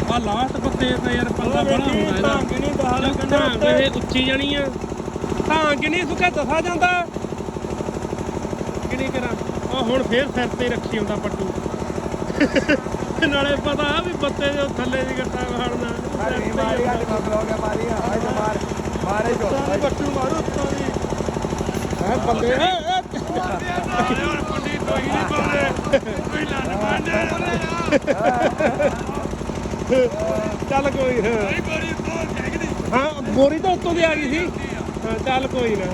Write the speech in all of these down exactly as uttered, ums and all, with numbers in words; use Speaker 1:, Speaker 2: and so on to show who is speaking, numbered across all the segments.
Speaker 1: ਆ ਲਾਸਟ ਪੱਤੇ ਤੇ ਯਾਰ ਪੱਤਾ ਬੜਾ ਹੁੰਦਾ ਇਹਦਾ
Speaker 2: ਨਹੀਂ ਦਹਾ ਲੱਗਣਾ
Speaker 1: ਇਹ ਉੱਚੀ ਜਾਣੀ ਆ ਤਾਂ ਕਿੰਨੀ ਸੁੱਕਾ ਦਫਾ ਜਾਂਦਾ ਕਿਹੜੀ ਕਰਾਂ ਆ ਹੁਣ ਫੇਰ ਸਿਰ ਤੇ ਰੱਖੀ ਆਉਂਦਾ ਪੱਟੂ ਨਾਲੇ ਪਤਾ ਵੀ ਬੱਤੇ ਦੇ ਥੱਲੇ ਦੀ ਗੱਟਾ ਖਾੜਨਾ
Speaker 2: ਮਾਰੀ ਮਾਰੀ ਆ ਬਲੌਗ ਮਾਰੀ ਆ ਹਾਏ ਤਾਂ ਮਾਰ ਮਾਰੇ ਜੋ
Speaker 1: ਪੱਟੂ ਮਾਰੂ ਉੱਤੋਂ ਦੀ ਹੈ ਬੰਦੇ ਹੁਣ ਪੰਡੀ ਦੋਈ ਨਹੀਂ ਪਾਉਂਦੇ ਕੋਈ ਲੰਨ ਮੰਨ ਚੱਲ ਕੋਈ ਹਾਂ ਬੋਰੀ ਤਾਂ ਉੱਤੋਂ ਦੀ ਆ ਗਈ ਸੀ ਹਾਂ ਚੱਲ ਕੋਈ ਨਾ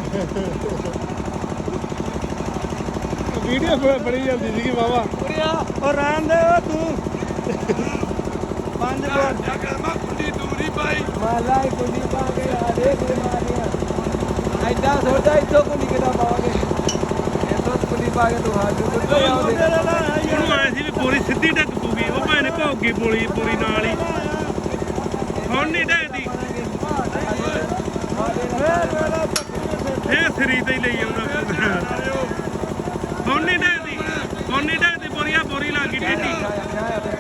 Speaker 1: ਵੀਡੀਓ ਬੜੀ ਜਾਂਦੀ ਸੀਗੀ ਵਾਵਾ
Speaker 2: ਉਹ ਰਹਿਣ ਦੇ ਓ ਤੂੰ ਪੰਜ ਬੋਲ
Speaker 1: ਮੈਂ ਕੁੰਡੀ ਦੂਰੀ ਪਾਈ
Speaker 2: ਮਾਲਾ ਹੀ ਕੁੰਡੀ ਪਾ ਕੇ ਆ ਦੇਖ ਲੈ ਮਾਰੀਆਂ ਐਡਾ ਸੋਚਦਾ ਇੱਥੋਂ ਕੁੰਡੀ ਕਿਦਾ ਪਾਵਾਂਗੇ ਇੱਥੋਂ ਕੁੰਡੀ ਪਾ ਕੇ ਤੂੰ ਹਾਜ਼ਰ ਕੁੱਤੇ ਆਉਂਦੇ
Speaker 1: ਉਹਨੂੰ ਆਏ ਸੀ ਵੀ ਬੋਰੀ ਸਿੱਧੀ ਡੱਕ ਪੂਗੀ ਉਹ ਭਾਵੇਂ ਭੌਗੀ ਬੋਲੀ ਬੋਰੀ ਨਾਲ ਹੀ ਹੁਣ ਨਹੀਂ ਡੱਕਦੀ ਇਹ ਸਰੀ ਤੇ ਹੀ ਲਈ ਆਉਂਦਾ ਹੁਣ ਨਹੀਂ ਡੱਕਦੀ ਹੁਣ ਨਹੀਂ ਡੱਕਦੀ ਬੋਰੀਆ ਬੋਰੀ ਲੱਗ ਗਈ ਟੇਢੀ